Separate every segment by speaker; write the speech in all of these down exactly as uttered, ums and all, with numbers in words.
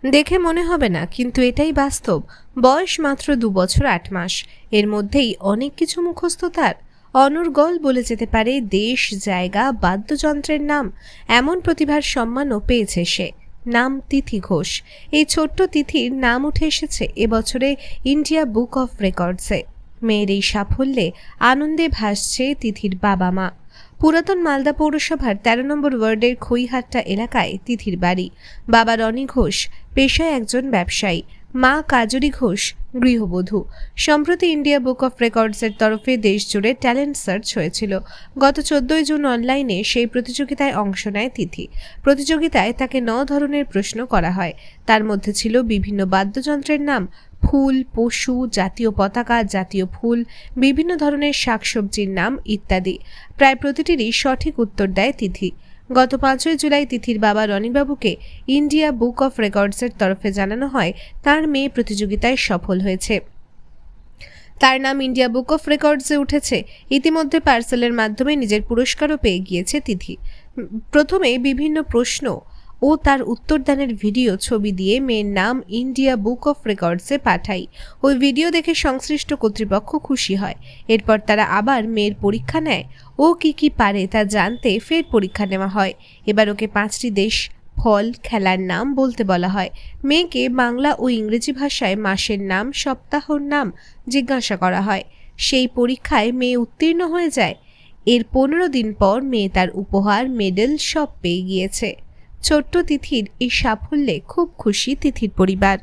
Speaker 1: দেখে মনে হবে না, কিন্তু এটাই বাস্তব। বয়স মাত্র দু বছর আট মাস, এর মধ্যেই অনেক কিছু মুখস্থ তার। অনর্গল বলে যেতে পারে দেশ, জায়গা, বাদ্যযন্ত্রের নাম। এমন প্রতিভার সম্মানও পেয়েছে সে। নাম তিথি ঘোষ। এই ছোট্ট তিথির নাম উঠে এসেছে এবছরে ইন্ডিয়া বুক অফ রেকর্ডসে। মেয়ের এই সাফল্যে আনন্দে ভাসছে তিথির বাবা মা। পুরাতন মালদা পৌরসভার তেরো নম্বর ওয়ার্ডের খইহাট্টা এলাকায় তিথির বাড়ি। বাবা রনি ঘোষ পেশায় একজন ব্যবসায়ী, মা কাজরি ঘোষ গৃহবধূ। সম্প্রতি ইন্ডিয়া বুক অফ রেকর্ডসের তরফে দেশজুড়ে ট্যালেন্ট সার্চ হয়েছিল। গত চোদ্দই জুন অনলাইনে সেই প্রতিযোগিতায় অংশ নেয় তিথি। প্রতিযোগিতায় তাকে ন ধরনের প্রশ্ন করা হয়। তার মধ্যে ছিল বিভিন্ন বাদ্যযন্ত্রের নাম, ফুল, পশু, জাতীয় পতাকা, জাতীয় ফুল, বিভিন্ন ধরনের শাকসবজির নাম ইত্যাদি। প্রায় প্রতিটিরই সঠিক উত্তর দেয় তিথি। গত পাঁচই জুলাই তিথির বাবা রনিবাবুকে ইন্ডিয়া বুক অফ রেকর্ডসের তরফে জানানো হয় তার মেয়ে প্রতিযোগিতায় সফল হয়েছে। তার নাম ইন্ডিয়া বুক অফ রেকর্ডসে উঠেছে। ইতিমধ্যে পার্সেলের মাধ্যমে নিজের পুরস্কারও পেয়ে গিয়েছে তিথি। প্রথমে বিভিন্ন প্রশ্ন ও তার উত্তরদানের ভিডিও ছবি দিয়ে মেয়ের নাম ইন্ডিয়া বুক অফ রেকর্ডসে পাঠাই। ওই ভিডিও দেখে সংশ্লিষ্ট কর্তৃপক্ষ খুশি হয়। এরপর তারা আবার মেয়ের পরীক্ষা নেয়। ও কি কি পারে তা জানতে ফের পরীক্ষা নেওয়া হয়। এবার ওকে পাঁচটি দেশ, ফল, খেলার নাম বলতে বলা হয়। মেয়েকে বাংলা ও ইংরেজি ভাষায় মাসের নাম, সপ্তাহর নাম জিজ্ঞাসা করা হয়। সেই পরীক্ষায় মেয়ে উত্তীর্ণ হয়ে যায়। এর পনেরো দিন পর মেয়ে তার উপহার, মেডেল সব পেয়ে গিয়েছে। ছোট্ট তিথির এই সাফল্যে খুব খুশি তিথির পরিবার।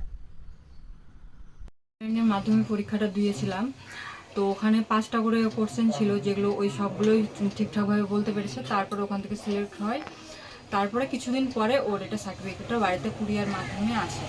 Speaker 2: মাধ্যমিক পরীক্ষাটা দিয়েছিলাম, তো ওখানে পাঁচটা করে কোশ্চেন ছিল, যেগুলো ওই সবগুলোই ঠিকঠাকভাবে বলতে পেরেছে। তারপরে ওখান থেকে সিলেক্ট হয়। তারপরে কিছুদিন পরে ওর এটা সার্টিফিকেটটা বাড়িতে কুরিয়ার মাধ্যমে আসে।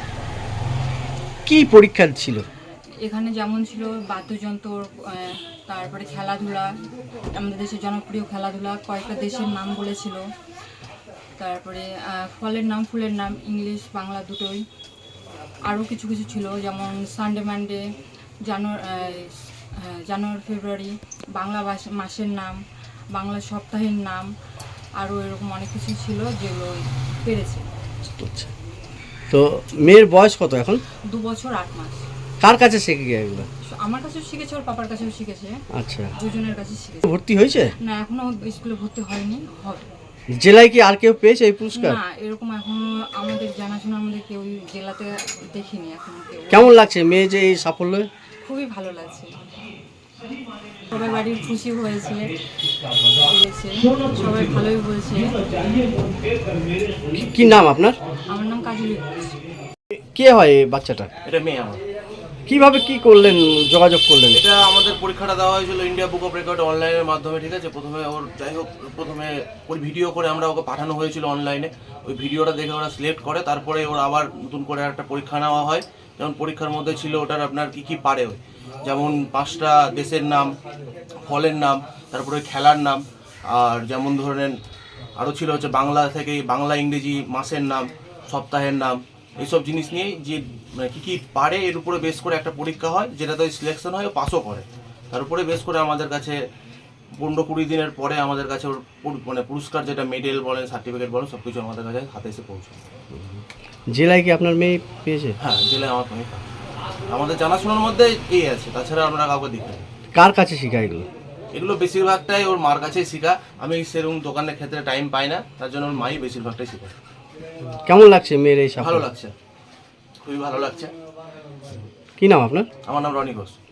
Speaker 3: কি পরীক্ষা ছিল
Speaker 2: এখানে? যেমন ছিল বাদ্যযন্ত্র, তারপরে খেলাধুলা, আমাদের দেশের জনপ্রিয় খেলাধুলা, কয়েকটা দেশের নাম বলেছিল, তারপরে ফলের নাম, ফুলের নাম, ইংলিশ বাংলা দুটোই। আরও কিছু কিছু ছিল, যেমন Sunday Monday, January January February, Bangla মাসের নাম, বাংলা সপ্তাহের নাম, আরও এরকম অনেক কিছু ছিল যেগুলো পেরেছে।
Speaker 3: তো মেয়ের বয়স কত এখন?
Speaker 2: দু বছর আট মাস।
Speaker 3: কার কাছে শিখে গিয়ে এগুলো?
Speaker 2: আমার কাছেও শিখেছে, ওর পাপার কাছেও শিখেছে।
Speaker 3: আচ্ছা,
Speaker 2: দুজনের কাছে শিখেছে।
Speaker 3: ভর্তি হয়েছে?
Speaker 2: না, এখনো স্কুলে ভর্তি হয়নি, হবে।
Speaker 3: জেলায় কি আর কেউ পেয়েছে এই পুরস্কার?
Speaker 2: না, এরকম এখনো আমাদের জানাশোনা আমাদের কেউ জেলাতে দেখিনি এখনো কেউ।
Speaker 3: কেমন লাগছে মেয়ে যে এই সাফল্য?
Speaker 2: খুবই ভালো লাগছে। সবাই বাড়ির খুশি হয়েছে, সবাই ভালোই বলছে।
Speaker 3: কি নাম আপনার?
Speaker 2: আমার নাম কাজলি ঘোষ।
Speaker 3: কে হয় এই বাচ্চাটা?
Speaker 4: এটা মেয়ে আমার।
Speaker 3: কিভাবে কি করলেন, যোগাযোগ করলেন?
Speaker 4: এটা আমাদের পরীক্ষাটা দেওয়া হয়েছিল ইন্ডিয়া বুক অফ রেকর্ড অনলাইনের মাধ্যমে, ঠিক আছে। প্রথমে ওর যাই হোক প্রথমে ওর ভিডিও করে আমরা ওকে পাঠানো হয়েছিল অনলাইনে। ওই ভিডিওটা দেখে ওরা সিলেক্ট করে, তারপরে ওর আবার নতুন করে একটা পরীক্ষা নেওয়া হয়। যেমন পরীক্ষার মধ্যে ছিল ওটার আপনার কী কী পারে, যেমন পাঁচটা দেশের নাম, ফলের নাম, তারপরে খেলার নাম, আর যেমন ধরেন আরও ছিল হচ্ছে বাংলা থেকে বাংলা, ইংরেজি, মাসের নাম, সপ্তাহের নাম, এইসব জিনিস নিয়ে যে মানে কী কী পারে এর উপরে বেস করে একটা পরীক্ষা হয়, যেটাতে সিলেকশন হয় ও পাসও করে। তার উপরে বেস করে আমাদের কাছে পনেরো কুড়ি দিনের পরে আমাদের কাছে ওর মানে পুরস্কার, যেটা মেডেল বলেন, সার্টিফিকেট বলেন, সব কিছু আমাদের কাছে হাতে এসে পৌঁছায়।
Speaker 3: জেলায় কি আপনার মেয়ে পেয়েছে?
Speaker 4: হ্যাঁ, জেলায় আমার মেয়ে আমাদের জানাশোনার মধ্যে এই আছে, তাছাড়া আমরা কাউকে দেখি।
Speaker 3: কার কাছে শেখা এগুলো?
Speaker 4: এগুলো বেশিরভাগটাই ওর মার কাছেই শেখা। আমি সেরকম দোকানের ক্ষেত্রে টাইম পাই না, তার জন্য ওর মাই বেশিরভাগটাই শেখায়।
Speaker 3: কেমন লাগছে মেয়ের এই সাফল্য?
Speaker 4: ভালো লাগছে, খুবই ভালো লাগছে।
Speaker 3: কি নাম আপনার?
Speaker 4: আমার নাম রনি ঘোষ।